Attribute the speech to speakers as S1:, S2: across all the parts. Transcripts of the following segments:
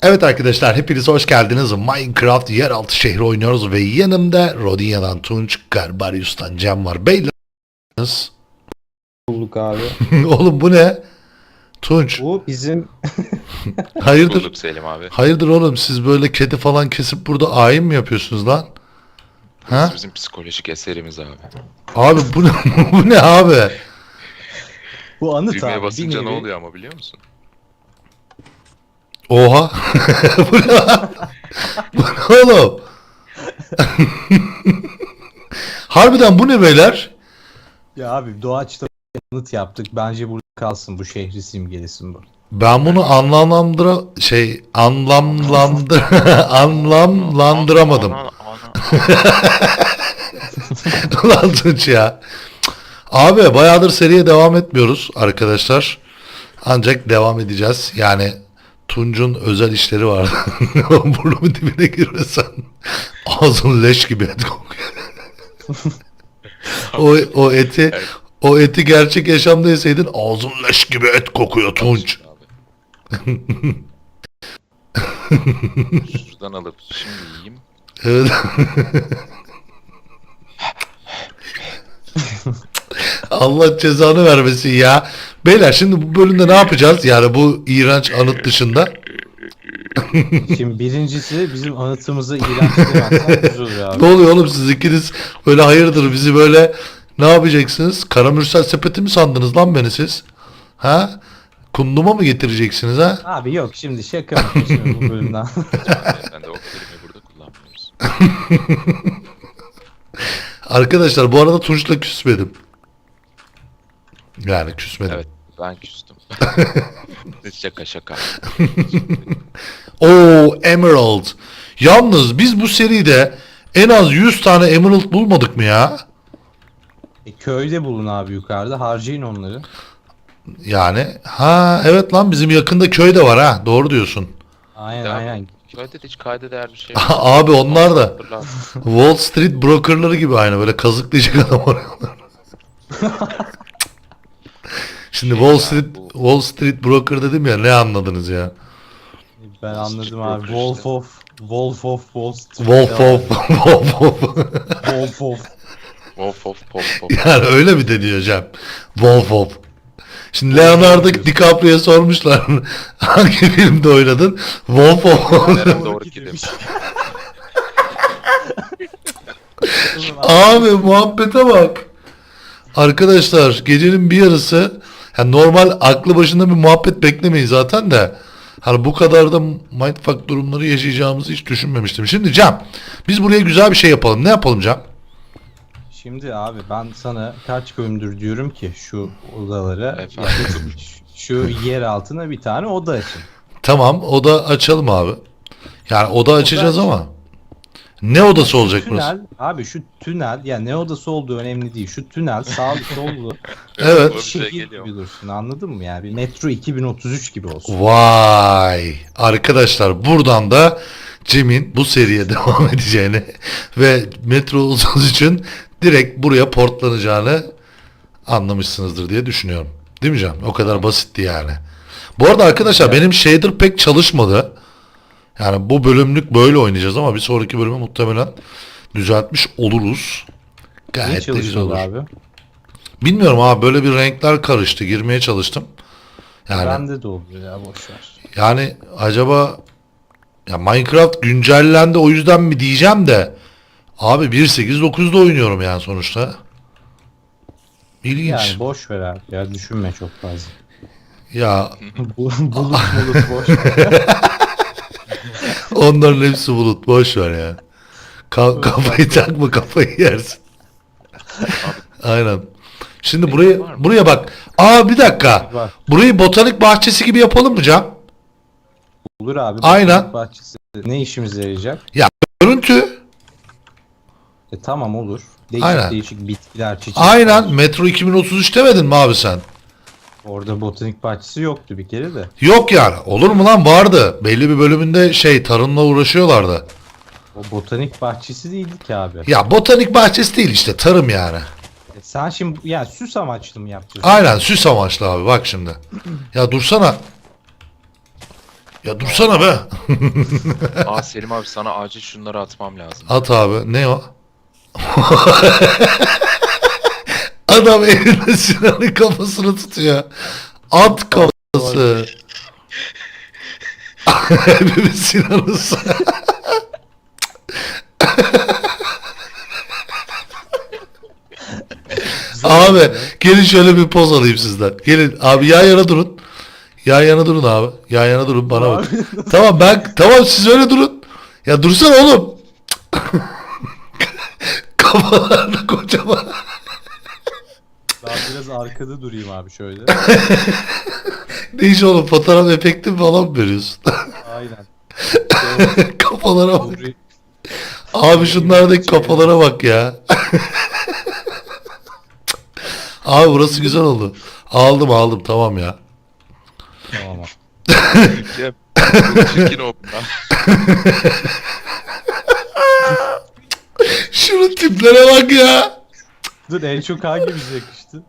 S1: Evet arkadaşlar hepiniz hoş geldiniz. Minecraft yeraltı şehri oynuyoruz ve yanımda Rodinya'dan Tunç, Garbarius'tan Cem var. Beyler.
S2: Bulduk abi.
S1: Oğlum bu ne? Tunç.
S2: Bu bizim
S1: Hayırdır?
S3: Bulduk Selim abi.
S1: Hayırdır oğlum siz böyle kedi falan kesip burada ayin mi yapıyorsunuz lan? Ha?
S3: Bizim psikolojik eserimiz abi.
S1: Abi bu ne, bu ne abi?
S2: bu anıt
S3: Düğmeye
S2: abi.
S3: basınca
S2: bir
S3: ne
S2: nevi.
S3: oluyor ama biliyor musun?
S1: Oha. Bu ne lan? Bu ne oğlum? Harbiden bu ne beyler?
S2: Ya abi doğaçta anıt yaptık. Bence burada kalsın, bu şehri simgelesin bu.
S1: Ben bunu anlamlandıramadım.
S3: Ana.
S1: Ulan Tunç ya. Abi bayağıdır seriye devam etmiyoruz arkadaşlar. Ancak devam edeceğiz. Yani Tunç'un özel işleri vardı. Burnumun dibine girmesen ağzın leş gibi et kokuyor. o eti gerçek yaşamda yeseydin ağzın leş gibi et kokuyor Tunç.
S3: Abi. Şuradan alıp şimdi yiyeyim.
S1: Evet. Allah cezanı vermesin ya. Beyler şimdi bu bölümde ne yapacağız? Yani bu iğrenç anıt dışında.
S2: Şimdi birincisi bizim anıtımızı iğrençlemezsen güzel olur abi.
S1: Ne oluyor oğlum siz ikiniz böyle hayırdır bizi böyle ne yapacaksınız? Karamürsel sepeti mi sandınız lan beni siz? Ha? Kunduma mı getireceksiniz ha?
S2: Abi yok, şimdi şaka yapıyorsun bu bölümden.
S3: Ben de o kelimeyi burada kullanmıyoruz.
S1: Arkadaşlar bu arada Tunç'la küsmedim. Yani küsmedim.
S3: Evet ben küstüm. şaka.
S1: Oo, Emerald. Yalnız biz bu seride en az 100 tane Emerald bulmadık mı ya?
S2: Köyde bulun abi, yukarıda harcayın onları.
S1: Yani ha evet lan bizim yakında köy de var ha. Doğru diyorsun.
S2: Aynen
S3: Ya,
S2: aynen.
S3: Köyde de hiç kayda değer bir şey
S1: Abi onlar da
S3: Hatırla.
S1: Wall Street brokerları gibi aynı böyle kazıklayacak adam arıyorlar. Şimdi Wall Street broker dedim ya ne anladınız ya?
S2: Ben
S3: Wall Street
S2: anladım abi.
S3: Broker işte.
S2: Wolf of Wall Street.
S1: Wolf of
S2: Wolf of.
S3: Of.
S1: yani öyle mi deniyor Cem? Wolf of. Şimdi Leonardo DiCaprio'ya sormuşlar hangi filmde oynadın? Wolf of.
S3: Nereye doğru gidelim?
S1: Abi muhabbete bak. Arkadaşlar gecenin bir yarısı yani normal aklı başında bir muhabbet beklemeyin zaten de hani bu kadar da mindfuck durumları yaşayacağımızı hiç düşünmemiştim. Şimdi Cem biz buraya güzel bir şey yapalım. Ne yapalım Cem?
S2: Şimdi abi ben sana kaç bölümdür diyorum ki şu odalara,
S3: Efendim.
S2: şu yer altına bir tane oda açın.
S1: Tamam oda açalım abi. Yani oda açacağız
S2: aç.
S1: ama ne odası olacak burası?
S2: Tünel abi, şu tünel ya, ne odası olduğu önemli değil. Şu tünel sağlı sollu
S1: Evet.
S2: şehir gibi dursun, anladın mı? Yani bir Metro 2033 gibi olsun.
S1: Vay arkadaşlar buradan da Cem'in bu seriye devam edeceğini ve Metro Uzun için direkt buraya portlanacağını anlamışsınızdır diye düşünüyorum. Değil mi Cem? O kadar basitti yani. Bu arada arkadaşlar benim shader pek çalışmadı. Yani bu bölümlük böyle oynayacağız ama bir sonraki bölümü muhtemelen düzeltmiş oluruz.
S2: Ne
S1: Gayet de güzel
S2: çalışmadı
S1: olur.
S2: abi?
S1: Bilmiyorum abi böyle bir renkler karıştı. Girmeye çalıştım. Yani
S2: Bende de oldu ya, boşver.
S1: Yani acaba ya Minecraft güncellendi o yüzden mi diyeceğim de abi 1.8.9'da oynuyorum yani sonuçta. İlginç.
S2: Yani boş ver abi ya, düşünme çok fazla.
S1: Ya
S2: Bulut boş ver.
S1: onların hepsi bulut boş ver ya. Kafayı takma kafayı yersin. Aynen. Şimdi buraya bak. Aa bir dakika.
S2: Var.
S1: Burayı botanik bahçesi gibi yapalım mı Can?
S2: Olur abi.
S1: Aynen.
S2: botanik bahçesi ne işimize yarayacak?
S1: Görüntü.
S2: Tamam olur. Değişik
S1: Aynen.
S2: değişik bitkiler, çiçekler.
S1: Aynen. Metro 2033 demedin mi abi sen?
S2: Orada botanik bahçesi yoktu bir kere de.
S1: Yok yani. Olur mu lan? Vardı. Belli bir bölümünde tarımla uğraşıyorlardı.
S2: O botanik bahçesi değildi ki abi.
S1: Ya botanik bahçesi değil işte tarım yani.
S2: Sen şimdi yani süs amaçlı mı yapacaksın?
S1: Aynen süs amaçlı abi bak şimdi. Ya dursana. Ya dursana be.
S3: Aa Selim abi sana acil şunları atmam lazım.
S1: At abi. Ne o? Adam elinde Sinan'ın kafasını tutuyor. At kafası. Hepimiz Sinan'ız. Abi gelin şöyle bir poz alayım sizden. Gelin abi yan yana durun. Yan yana durun abi. Yan yana durun bana bak. Tamam tamam siz öyle durun. Ya dursana oğlum. Kafalarını kocaman.
S2: Ben biraz arkada durayım abi şöyle.
S1: Ne iş oğlum fotoğraf efekti falan mı veriyorsun?
S2: Aynen.
S1: Kafalara bak.
S2: Durayım.
S1: Abi şunlardaki kafalara bak ya. Abi burası güzel oldu. Aldım tamam ya.
S2: Tamam abi.
S3: Cem, çok çirkin oldu lan.
S1: Şunun tiplere bak ya.
S2: Dur en çok hangimize yakıştı?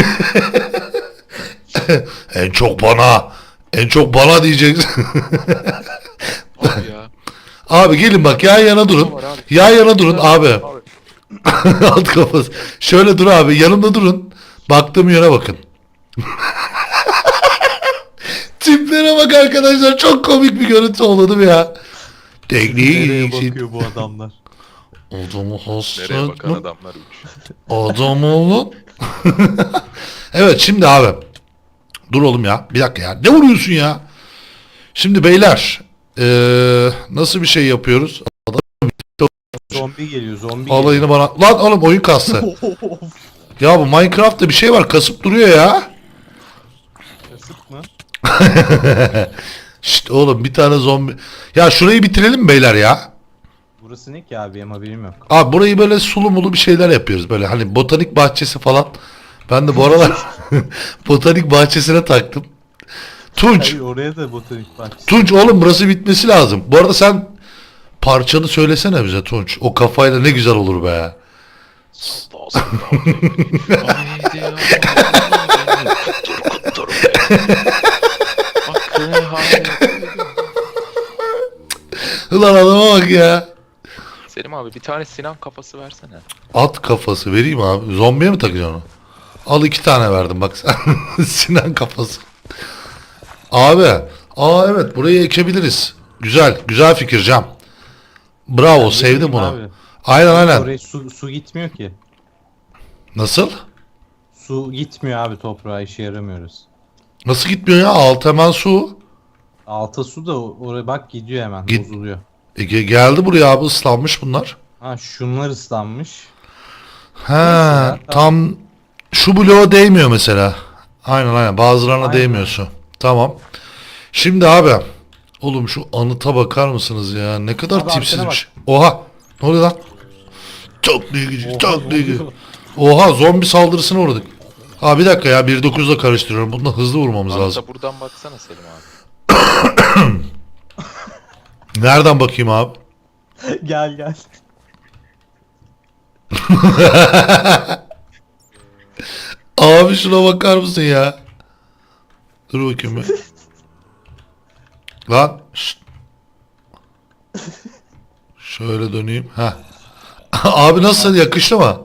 S1: En çok bana diyeceksin.
S3: Abi ya.
S1: Abi gelin bak yan yana durun.
S3: Var abi.
S1: Yan yana durun abi. Alt kafası. Şöyle dur abi yanımda durun. Baktığım yöne bakın. Tiplere bak arkadaşlar çok komik bir görüntü oldu değil mi ya? Tekniği
S2: Nereye
S1: için.
S2: bakıyor bu adamlar?
S1: Adamı
S3: Nereye bakan
S1: hasret
S3: adamlar uç.
S1: adam oğlum. Evet şimdi abi. Dur oğlum ya. Bir dakika ya. Ne vuruyorsun ya? Şimdi beyler. Nasıl bir şey yapıyoruz?
S2: Zombi geliyor zombi
S1: Alayını bana. Lan oğlum oyun kastı.
S2: geliyor.
S1: Ya bu Minecraft'ta bir şey var. Kasıp duruyor ya.
S2: Kasıp mı?
S1: Şşt oğlum bir tane zombi. Ya şurayı bitirelim mi beyler ya?
S2: Burası ne ki abi? Benim haberim yok.
S1: Abi burayı böyle sulu mulu bir şeyler yapıyoruz. Böyle hani botanik bahçesi falan. Ben de bu aralar botanik bahçesine taktım. Tunç.
S2: Hayır oraya da botanik bahçesi.
S1: Tunç oğlum burası bitmesi lazım. Bu arada sen parçanı söylesene bize Tunç. O kafayla ne güzel olur be.
S3: Salla salla. Haydi ya. Kutur. Bakın haydi.
S1: Ulan adama bak ya.
S3: Selim abi bir tane Sinan kafası versene.
S1: At kafası vereyim abi. Zombiye mi takacaksın onu? Al 2 tane verdim bak sen. Sinan kafası. Abi. Evet burayı ekebiliriz. Güzel fikir Cam. Bravo
S2: Ben
S1: sevdim
S2: bileyim
S1: bunu.
S2: abi.
S1: Aynen.
S2: Oraya su gitmiyor ki.
S1: Nasıl?
S2: Su gitmiyor abi toprağa işe yaramıyoruz.
S1: Nasıl gitmiyor ya? Alt hemen su.
S2: Alta su da oraya bak gidiyor hemen
S1: Git.
S2: bozuluyor.
S1: Geldi buraya abi ıslanmış bunlar.
S2: Ha şunlar ıslanmış.
S1: He
S2: ya,
S1: tam şu bloğa değmiyor mesela. Aynen bazılarına
S2: Aynen.
S1: değmiyor su. Tamam. Şimdi abi. Oğlum şu anıta bakar mısınız ya? Ne kadar
S2: Abi
S1: tipsizmiş. Oha. Ne oluyor lan? Çok ilginç.
S2: Oha,
S1: Çok
S2: ne
S1: ilginç.
S2: oluyor?
S1: Oha zombi saldırısına uğradık. Ha bir dakika ya 1.9'la karıştırıyorum. Bunda hızlı vurmamız lazım.
S3: Hatta buradan baksana Selim abi.
S1: Nereden bakayım abi?
S2: Gel.
S1: Abi şuna bakar mısın ya? Dur bakayım bir. Lan. Şşt. Şöyle döneyim. Ha. Abi nasıl yakıştı mı?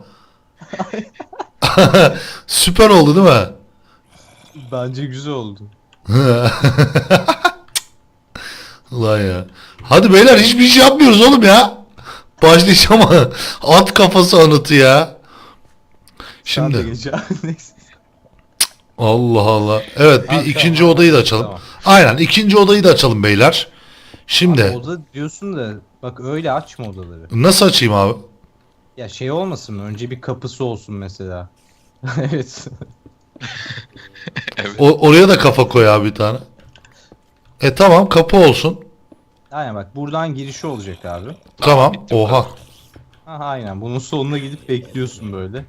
S1: Süper oldu değil mi?
S2: Bence güzel oldu.
S1: Ulan ya. Hadi beyler hiçbir şey yapmıyoruz oğlum ya. Başlayacağım ama at kafası anıtı ya.
S2: Sen de
S1: Şimdi
S2: geç abi, neyse.
S1: Allah Allah. Evet bir
S2: Ha,
S1: ikinci
S2: tamam.
S1: odayı da açalım.
S2: Tamam.
S1: Aynen ikinci odayı da açalım beyler. Şimdi
S2: Abi oda diyorsun da bak öyle açma odaları.
S1: nasıl açayım abi?
S2: Ya şey olmasın mı? Önce bir kapısı olsun mesela. Evet.
S1: Oraya da kafa koy abi bir tane. Tamam kapı olsun.
S2: Aynen bak buradan girişi olacak abi.
S1: Tamam.
S3: bitti bu
S1: Oha.
S2: Aha aynen bunun sonuna gidip bekliyorsun böyle.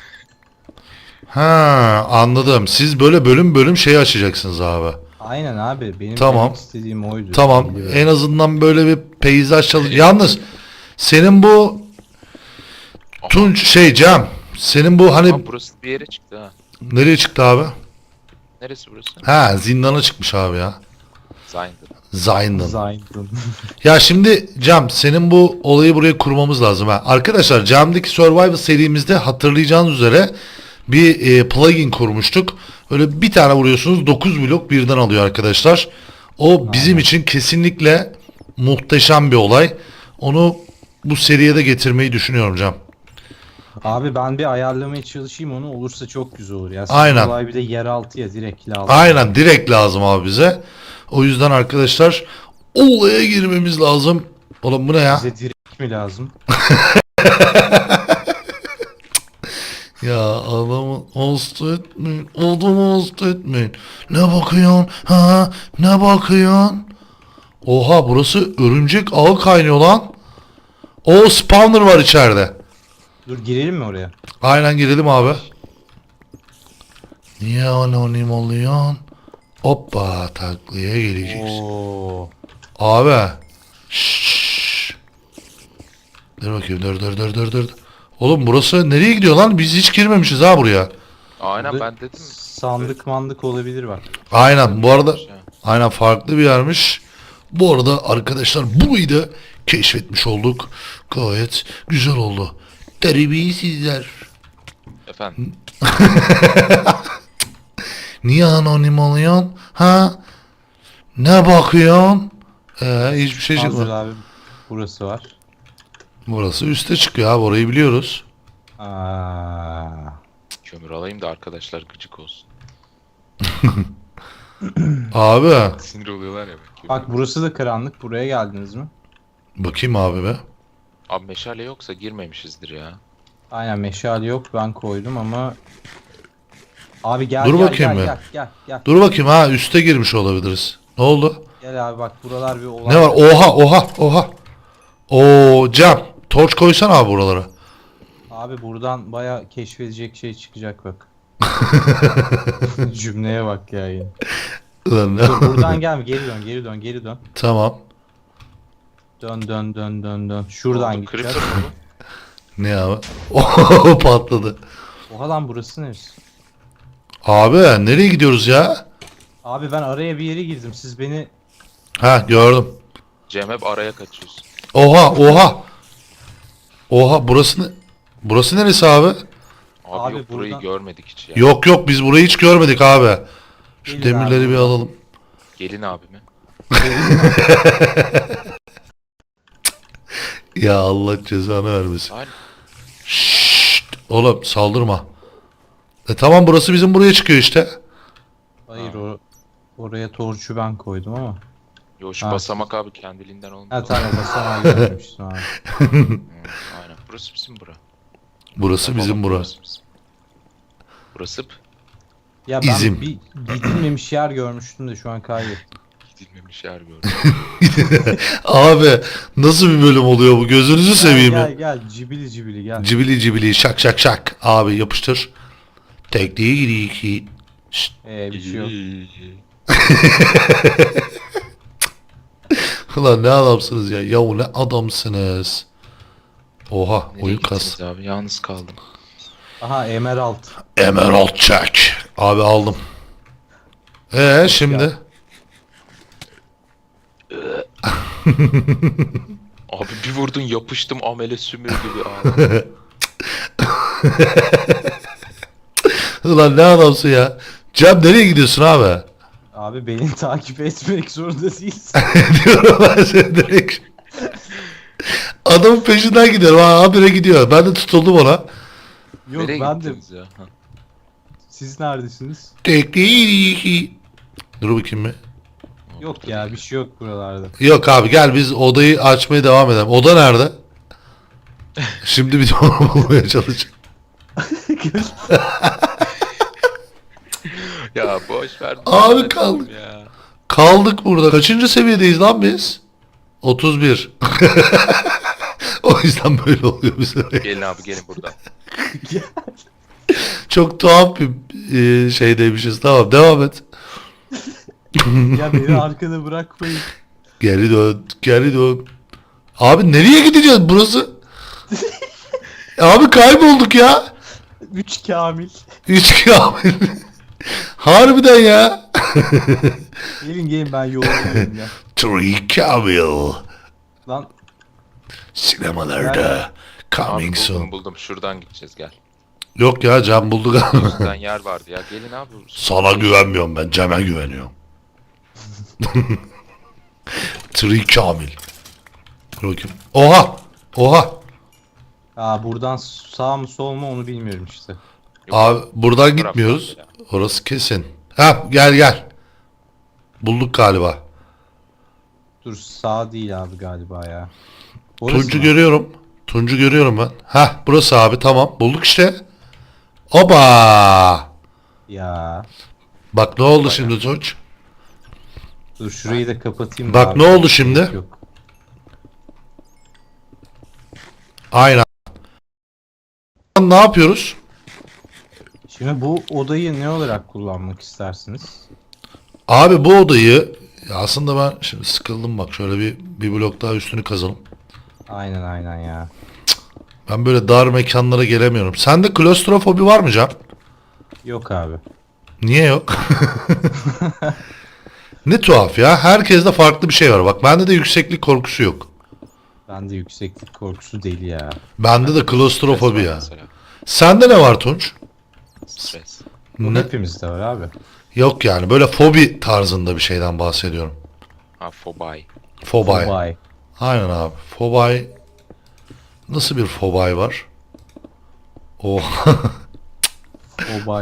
S1: Ha anladım. Siz böyle bölüm bölüm şey açacaksınız abi.
S2: Aynen abi benim
S1: Tamam.
S2: demek istediğim oydu.
S1: Tamam.
S2: Biliyorum.
S1: En azından böyle bir peyzaj çalış. Yalnız senin bu Tunç Cem. Senin bu hani
S3: Ama burası bir yere çıktı ha.
S1: nereye çıktı abi?
S3: Neresi burası?
S1: Ha zindana çıkmış abi ya.
S3: Zayndın.
S1: Zayn'ın. Ya şimdi Cem, senin bu olayı buraya kurmamız lazım ha. Arkadaşlar, Cem'deki Survival serimizde hatırlayacağınız üzere bir plugin kurmuştuk. Öyle bir tane vuruyorsunuz, 9 blok birden alıyor arkadaşlar. O bizim için kesinlikle muhteşem bir olay. Onu bu seriye de getirmeyi düşünüyorum Cem.
S2: Abi ben bir ayarlamaya çalışayım, onu olursa çok güzel olur. Ya
S1: Aynen.
S2: olay bir de yeraltı ya, direkt lazım.
S1: Aynen, direkt lazım abi bize. O yüzden arkadaşlar olaya girmemiz lazım. Oğlum bu ne ya?
S2: Bize direkt mi lazım?
S1: Ya adamı hasta etmeyin. Adamı hasta etmeyin. Ne bakıyorsun? Ha? Ne bakıyorsun? Oha, burası örümcek ağı kaynıyor lan. O spawner var içeride.
S2: Dur, girelim mi oraya?
S1: Aynen, girelim abi. Niye anonim oluyorsun? Hoppa, taklaya geleceğiz.
S2: Oo.
S1: Abi. Şşş. Dur bakayım, dur. Oğlum burası nereye gidiyor lan? Biz hiç girmemişiz ha buraya.
S3: Aynen
S2: Burada
S3: ben dedim.
S2: sandık mandık olabilir bak.
S1: Aynen, bu arada
S3: Ya.
S1: aynen farklı bir yermiş. Bu arada arkadaşlar, burayı da keşfetmiş olduk. Gayet güzel oldu. Terbiyesizler.
S3: Efendim.
S1: Niye anonim oluyorsun? Ha? Ne bakıyorsun? Hiçbir şey
S2: Hazır
S1: çıkmadı.
S2: abi, burası var.
S1: Burası üste çıkıyor abi, orayı biliyoruz.
S2: Aa.
S3: Kömür alayım da arkadaşlar gıcık olsun.
S1: Abi.
S3: Sinir oluyorlar ya. Kömür.
S2: Bak burası da karanlık. Buraya geldiniz mi?
S1: Bakayım abi be.
S3: Abi meşale yoksa girmemişizdir ya.
S2: Aynen, meşale yok, ben koydum ama. Abi gel
S1: Dur
S2: gel
S1: bakayım
S2: gel,
S1: bir.
S2: gel.
S1: Dur bakayım, ha üste girmiş olabiliriz. Ne oldu?
S2: Gel abi, bak buralar bir olay.
S1: Ne var? Oha. Oo Cem, torç koysan abi buralara.
S2: Abi buradan baya keşfedecek şey çıkacak bak. Cümleye bak ya yine.
S1: Ulan ne-
S2: Dur, buradan gelme, geri dön.
S1: Tamam.
S2: Dön. Şuradan
S3: Oldu,
S2: gideceğiz.
S3: Creeper mı
S1: Ne abi? Oh, patladı.
S2: Oha lan, burası neresi?
S1: Abi nereye gidiyoruz ya?
S2: Abi ben araya bir yere girdim. Siz beni...
S1: Ha, gördüm.
S3: bu? Cem hep araya kaçıyorsun.
S1: Oha, burası neresi abi?
S3: Abi,
S2: Abi
S3: yok burayı
S2: buradan-
S3: görmedik hiç ya.
S1: Yok, biz burayı hiç görmedik abi. Şu
S2: Gelin
S1: demirleri
S2: abi
S1: bir
S2: buradan.
S1: alalım.
S3: Gelin abime.
S1: Ya Allah cezanı vermesin.
S3: Aynen.
S1: Şşt, oğlum saldırma. Tamam, burası bizim buraya çıkıyor işte.
S2: Hayır, oraya torçu ben koydum ama.
S3: Yo şu
S2: Ha.
S3: basamak abi kendiliğinden olmuyor.
S2: Ha tamam, basamağı görmemiştim abi.
S3: Aynen. Burası bizim bura.
S1: Burası bizim
S3: Tamam,
S1: bura.
S3: Burası bizim. Burası
S2: Ya ben
S1: İzim.
S2: bir gidilmemiş yer görmüştüm de şu an kaybettim.
S3: gidilmemiş yer gördüm.
S1: Abi nasıl bir bölüm oluyor bu? Gözünüzü seveyim ya.
S2: Gel cibili gel.
S1: Cibili şak. Abi yapıştır. Tekliğe gidiyor ki. Şşt.
S2: Bir şey yok.
S1: Ulan ne adamsınız ya. Yahu ne adamsınız. Oha,
S3: Nereye
S1: oyun
S3: gittiniz
S1: kas.
S3: abi? Yalnız kaldım.
S2: Aha, emerald.
S1: Emerald check. Abi aldım. Şimdi.
S3: Abi bir vurdun yapıştım amele sümür gibi abi.
S1: Ulan ne adamsın ya. Cem nereye gidiyorsun abi?
S2: Abi beni takip etmek zorunda değilsin.
S1: Diyorum ben seni direkt. Adamın peşinden gidiyorum. Ha, habire gidiyor. Ben de tutuldum ona.
S2: Yok,
S3: Nereye
S2: ben de.
S3: gittiniz ya? Ha.
S2: Siz neredesiniz?
S1: Tekliğe. Dur bakayım mı?
S2: Yok ya, bir şey yok buralarda.
S1: Yok abi, gel biz odayı açmaya devam edelim. Oda nerede? Şimdi bir de onu bulmaya çalışacağım.
S3: Ya boş ver.
S1: Abi
S3: lanet
S1: kaldı.
S3: olsun ya.
S1: Kaldık burada. Kaçıncı seviyedeyiz lan biz? 31. O yüzden böyle oluyor bize.
S3: Gelin abi gelin buradan.
S1: Çok tuhaf bir şeydeymişiz. Tamam, devam et.
S2: Ya beni arkada bırakmayın.
S1: Geri dön. Abi nereye gideceğiz burası? Abi kaybolduk ya.
S2: 3 Kamil.
S1: 3 kamil. Harbiden ya.
S2: Gelin ben yollayayım ya.
S1: Tree Kamil.
S2: Lan
S1: Sinemalarda.
S3: Abi
S1: Coming soon.
S3: buldum. Şuradan gideceğiz gel.
S1: Yok ya Cem buldu galiba.
S3: Şuradan yer vardı ya. Gelin abi.
S1: Sana güvenmiyorum ben. Cem'e güveniyorum. Tree Kamil. Dur bakayım. Oha! Oha!
S2: buradan sağ mı sol mu onu bilmiyorum işte.
S3: Yok,
S1: Abi buradan
S3: taraftan
S1: gitmiyoruz.
S3: ya.
S1: Orası kesin. Ha gel gel. Bulduk galiba.
S2: Dur sağ değil abi galiba ya. Orası
S1: Tuncu
S2: mı?
S1: görüyorum. Tuncu görüyorum ben. Ha burası abi tamam. Bulduk işte. Oba!
S2: Ya.
S1: Bak ne oldu şimdi Tunç?
S2: Dur şurayı da kapatayım.
S1: Bak
S2: abi.
S1: ne oldu şimdi?
S2: Yok.
S1: Aynen. Ne yapıyoruz?
S2: Şimdi bu odayı ne olarak kullanmak istersiniz?
S1: Abi bu odayı ya aslında ben şimdi sıkıldım bak şöyle bir blok daha üstünü kazalım.
S2: Aynen ya.
S1: Ben böyle dar mekanlara gelemiyorum. Sende klostrofobi var mı Can?
S2: Yok abi.
S1: Niye yok? Ne tuhaf ya. Herkeste farklı bir şey var. Bak bende de yükseklik korkusu yok.
S2: Bende yükseklik korkusu deli ya.
S1: Bende de
S3: Stres
S1: klostrofobi
S3: var
S1: ya.
S3: mesela.
S1: Sende ne var Tunç?
S3: Stres.
S2: Bu
S1: Ne?
S2: hepimizde var abi.
S1: Yok yani böyle fobi tarzında bir şeyden bahsediyorum.
S3: Ha fobay.
S1: Fobay.
S2: Fobay.
S1: Aynen abi. Fobay. Nasıl bir fobay var? Oh.
S2: Fobay.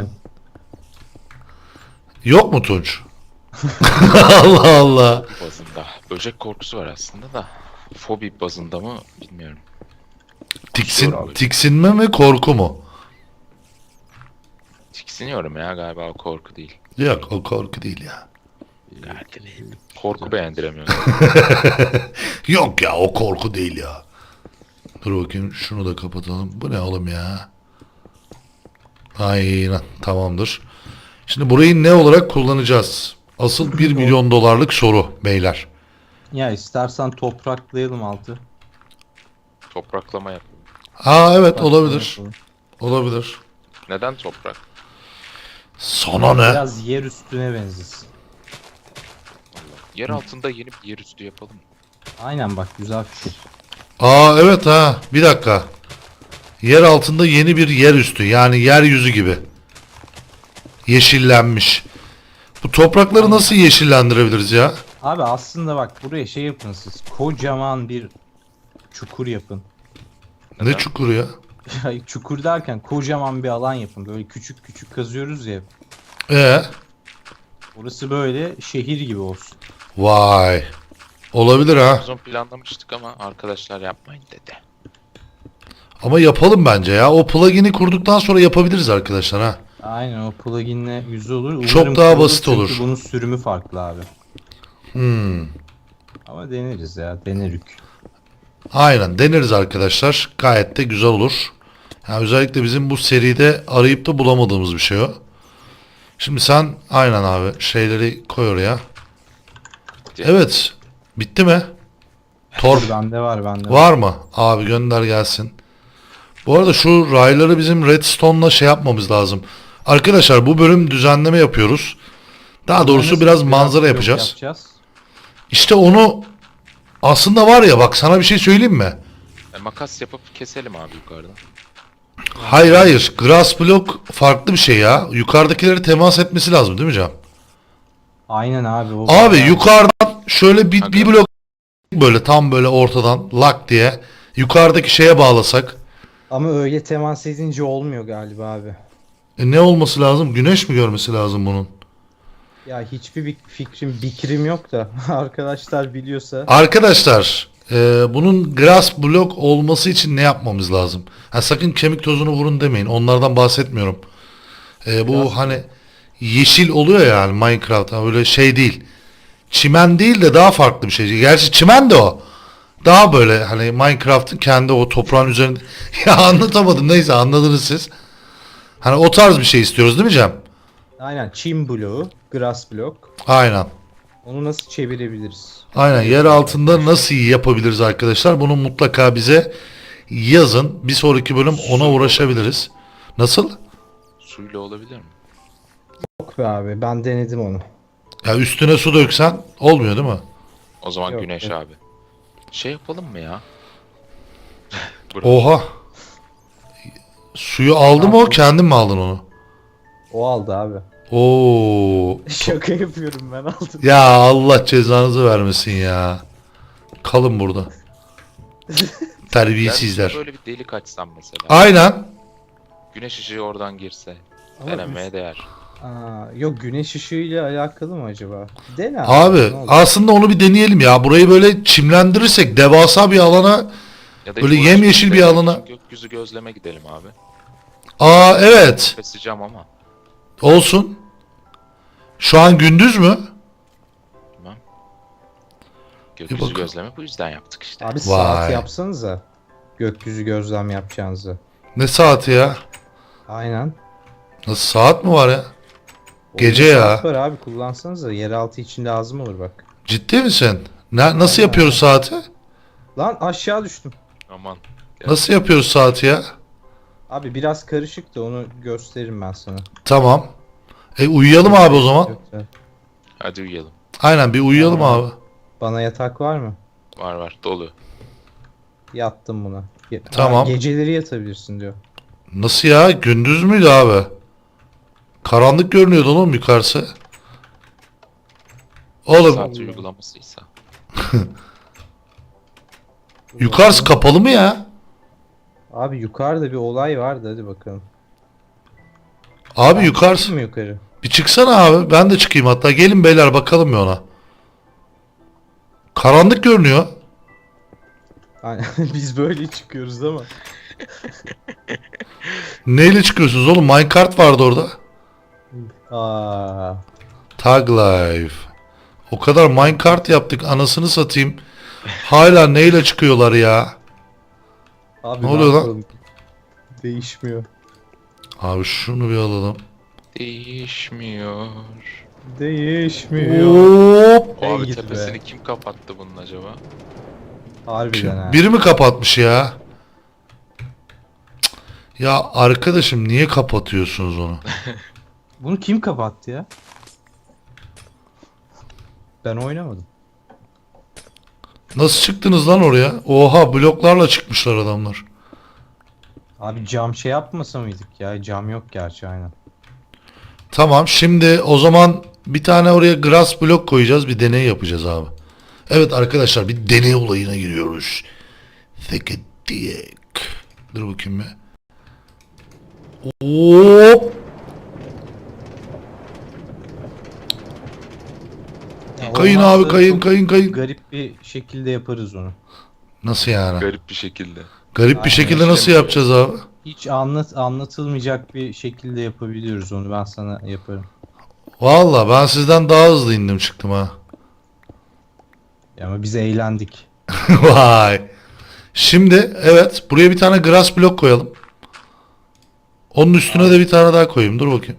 S1: Yok mu Tunç? Allah Allah.
S3: Bazında. Böcek korkusu var aslında da. Fobi bazında mı bilmiyorum.
S1: Tiksinme mi korku mu?
S3: Tiksiniyorum ya galiba o korku değil.
S1: Yok o korku değil ya.
S3: Galiba değil. Korku beğendiremiyorum.
S1: Yok ya o korku değil ya. Dur bakayım şunu da kapatalım. Bu ne oğlum ya? Aynen tamamdır. Şimdi burayı ne olarak kullanacağız? Asıl 1 milyon dolarlık soru beyler.
S2: Ya istersen topraklayalım altı.
S3: Topraklama yap.
S1: Ha evet
S2: Bak,
S1: olabilir.
S2: yapalım.
S1: Olabilir.
S3: Neden toprak?
S1: Sana ne?
S2: Biraz yer üstüne benzesin.
S3: Yer altında yeni bir yer üstü yapalım.
S2: Aynen bak güzel fikir.
S1: Aa evet ha bir dakika. Yer altında yeni bir yer üstü yani yeryüzü gibi. Yeşillenmiş. Bu toprakları nasıl yeşillendirebiliriz ya?
S2: Abi aslında bak buraya şey yapın siz. Kocaman bir çukur yapın.
S1: Ne çukuru ya?
S2: Ya çukur derken kocaman bir alan yapın. Böyle küçük küçük kazıyoruz ya.
S1: Ee,
S2: Orası böyle şehir gibi olsun.
S1: vay. Olabilir ha.
S3: Uzun planlamıştık ama arkadaşlar yapmayın dedi.
S1: Ama yapalım bence ya. O plugin'i kurduktan sonra yapabiliriz arkadaşlar ha.
S2: Aynen o pluginle yüzü olur. Umarım
S1: Çok daha
S2: kurulur
S1: basit
S2: çünkü
S1: olur.
S2: bunun sürümü farklı abi.
S1: Hmm.
S2: Ama deneriz ya denerik.
S1: Aynen deneriz arkadaşlar. Gayet de güzel olur. Yani özellikle bizim bu seride arayıp da bulamadığımız bir şey o. Şimdi sen aynen abi şeyleri koy oraya. Evet. Bitti mi? Torf
S2: Bende var bende var.
S1: var mı? Abi gönder gelsin. Bu arada şu rayları bizim redstone'la şey yapmamız lazım. Arkadaşlar bu bölüm düzenleme yapıyoruz. Daha doğrusu
S2: Nasıl
S1: biraz manzara
S2: blok
S1: yapacağız. İşte onu aslında var ya bak sana bir şey söyleyeyim mi?
S3: Makas yapıp keselim abi yukarıdan.
S1: Hayır hayır. Grass block farklı bir şey ya. Yukarıdakileri temas etmesi lazım değil mi Can?
S2: Aynen abi. O
S1: Abi
S2: bayağı-
S1: yukarıdan şöyle bir blok böyle tam böyle ortadan lak diye yukarıdaki şeye bağlasak.
S2: Ama öyle temas edince olmuyor galiba abi.
S1: Ne olması lazım? Güneş mi görmesi lazım bunun?
S2: Ya hiçbir fikrim yok da arkadaşlar biliyorsa.
S1: Arkadaşlar bunun grass block olması için ne yapmamız lazım? Ha, sakın kemik tozunu vurun demeyin. Onlardan bahsetmiyorum. Bu hani yeşil oluyor yani Minecraft. Ha, öyle şey değil. Çimen değil de daha farklı bir şey. Gerçi çimen de o. Daha böyle hani Minecraft'ın kendi o toprağın üzerinde. Ya anlatamadım neyse anladınız siz. Hani o tarz bir şey istiyoruz değil mi Cem?
S2: Aynen çim bloğu, grass block.
S1: Aynen.
S2: Onu nasıl çevirebiliriz?
S1: Aynen yer altında nasıl yapabiliriz arkadaşlar? Bunu mutlaka bize yazın. Bir sonraki bölüm ona uğraşabiliriz. Nasıl?
S3: Suyla olabilir mi?
S2: Yok be abi ben denedim onu.
S1: Ya üstüne su döksen olmuyor değil mi?
S3: O zaman
S2: Yok,
S3: güneş
S2: yok.
S3: abi. Şey yapalım mı ya?
S1: Oha. Suyu aldı mı o, kendin mi aldın onu?
S2: O aldı abi.
S1: Oo.
S2: Şaka yapıyorum, ben aldım.
S1: Ya Allah cezanızı vermesin ya. Kalın burada.
S3: Ben
S1: Terbiyesizler.
S3: böyle bir delik açsam mesela.
S1: Aynen.
S3: Güneş ışığı oradan girse.
S2: Ama
S3: Denemeye değer.
S2: yok, güneş ışığıyla alakalı mı acaba? Dene
S1: Abi
S2: ne olur.
S1: aslında onu bir deneyelim ya. Burayı böyle çimlendirirsek devasa bir alana.
S3: Ya da
S1: Böyle
S3: hiç
S1: yemyeşil bir
S3: uğraşmayalım,
S1: alana-
S3: Gökyüzü gözleme gidelim abi.
S1: Aa evet.
S3: Keseceğim ama.
S1: Olsun. Şu an gündüz mü?
S3: Bilmem. Gökyüzü
S1: bakın.
S3: gözleme bu yüzden yaptık işte.
S2: Abi saat
S1: Vay.
S2: yapsanıza. Gökyüzü gözlem yapacağınızı.
S1: Ne saati ya?
S2: Aynen.
S1: Nasıl saat mi var ya? Gece
S2: Oyunda
S1: ya.
S2: saat var abi, kullansanıza. Yeraltı için lazım olur bak.
S1: Ciddi misin? Nasıl
S2: Aynen.
S1: yapıyoruz saati?
S2: Lan aşağı düştüm.
S3: Aman.
S1: Nasıl yapıyoruz saati ya?
S2: Abi biraz karışık da onu gösteririm ben sana.
S1: Tamam. Uyuyalım abi o zaman.
S2: Yoksa-
S3: Hadi uyuyalım.
S1: Aynen bir uyuyalım
S2: Tamam.
S1: abi.
S2: Bana yatak var mı?
S3: Var dolu.
S2: Yattım buna.
S1: Tamam.
S2: Geceleri yatabilirsin diyor.
S1: Nasıl ya? Gündüz müydü abi? Karanlık görünüyordu oğlum yukarısı. Oğlum
S3: Saat uygulamasıysa.
S1: yukarısı kapalı mı ya?
S2: Abi yukarıda bir olay vardı, hadi bakalım.
S1: Abi
S2: Ben
S1: yukarısı.
S2: çıkayım mı yukarı?
S1: Bir çıksana abi. Ben de çıkayım hatta. Gelin beyler bakalım bir ona. Karanlık görünüyor.
S2: Aynen, biz böyle çıkıyoruz ama.
S1: Neyle çıkıyorsunuz oğlum? Minecart vardı orada.
S2: Aa,
S1: Tag Life. O kadar minecart yaptık anasını satayım. Hala neyle çıkıyorlar ya?
S2: abi
S1: Ne oluyor lan?
S2: yapalım? Değişmiyor.
S1: Abi şunu bir alalım.
S3: Değişmiyor.
S2: Değişmiyor.
S1: Hop.
S2: Ey
S3: Abi
S2: git be.
S3: tepesini kim kapattı bunun acaba?
S2: Harbiden ha.
S1: Biri mi kapatmış ya? Cık. Ya arkadaşım niye kapatıyorsunuz onu?
S2: Bunu kim kapattı ya? Ben oynamadım.
S1: Nasıl çıktınız lan oraya? Oha bloklarla çıkmışlar adamlar.
S2: Abi cam şey yapmasa mıydık ya? Cam yok gerçi, aynen.
S1: Tamam şimdi o zaman bir tane oraya grass blok koyacağız, bir deney yapacağız abi. Evet arkadaşlar bir deney olayına giriyoruz. Thicket dick. Dur bakayım bir. Hop.
S2: Ya
S1: Kayın
S2: olmazsa
S1: abi kayın
S2: çok
S1: kayın kayın.
S2: Garip bir şekilde yaparız onu.
S1: Nasıl yani?
S3: Garip bir şekilde.
S1: Garip bir
S2: Aynen,
S1: şekilde nasıl
S3: işlemiyor.
S1: yapacağız abi?
S2: Hiç anlatılmayacak bir şekilde yapabiliyoruz onu. Ben sana yaparım.
S1: Valla ben sizden daha hızlı indim çıktım ha.
S2: Ya ama biz eğlendik.
S1: Vay. Şimdi evet buraya bir tane grass blok koyalım. Onun üstüne de bir tane daha koyayım. Dur bakayım.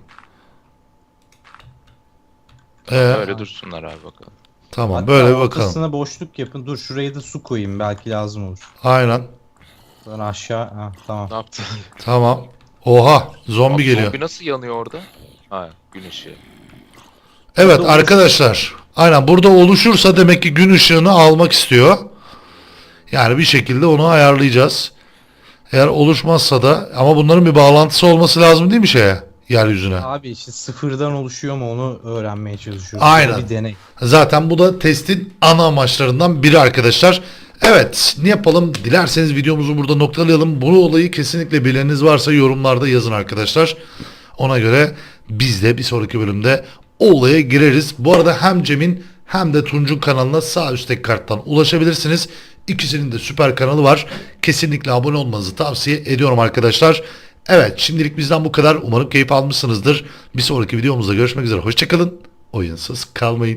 S3: Öyle dursunlar abi bakalım.
S1: Tamam
S2: Hatta
S1: böyle bir bakalım.
S2: ortasına boşluk yapın. Dur şuraya da su koyayım. Belki lazım olur.
S1: Aynen.
S2: Sonra aşağı. Ha, tamam.
S3: Ne yaptın?
S1: Tamam. Oha zombi
S3: Abi
S1: geliyor.
S3: Zombi nasıl yanıyor orada? Ha gün ışığı.
S1: Evet
S2: Burada
S1: arkadaşlar. Aynen burada oluşursa demek ki gün ışığını almak istiyor. Yani bir şekilde onu ayarlayacağız. Eğer oluşmazsa da ama bunların bir bağlantısı olması lazım değil mi şeye? Yeryüzüne.
S2: Abi işte sıfırdan oluşuyor mu onu öğrenmeye çalışıyoruz.
S1: Aynen.
S2: Bir deney.
S1: Zaten bu da testin ana amaçlarından biri arkadaşlar. Evet ne yapalım dilerseniz videomuzu burada noktalayalım. Bu olayı kesinlikle bileniniz varsa yorumlarda yazın arkadaşlar. Ona göre biz de bir sonraki bölümde o olaya gireriz. Bu arada hem Cem'in hem de Tunç'un kanalına sağ üstteki karttan ulaşabilirsiniz. İkisinin de süper kanalı var. Kesinlikle abone olmanızı tavsiye ediyorum arkadaşlar. Evet şimdilik bizden bu kadar. Umarım keyif almışsınızdır. Bir sonraki videomuzda görüşmek üzere. Hoşçakalın. Oyunsuz kalmayın.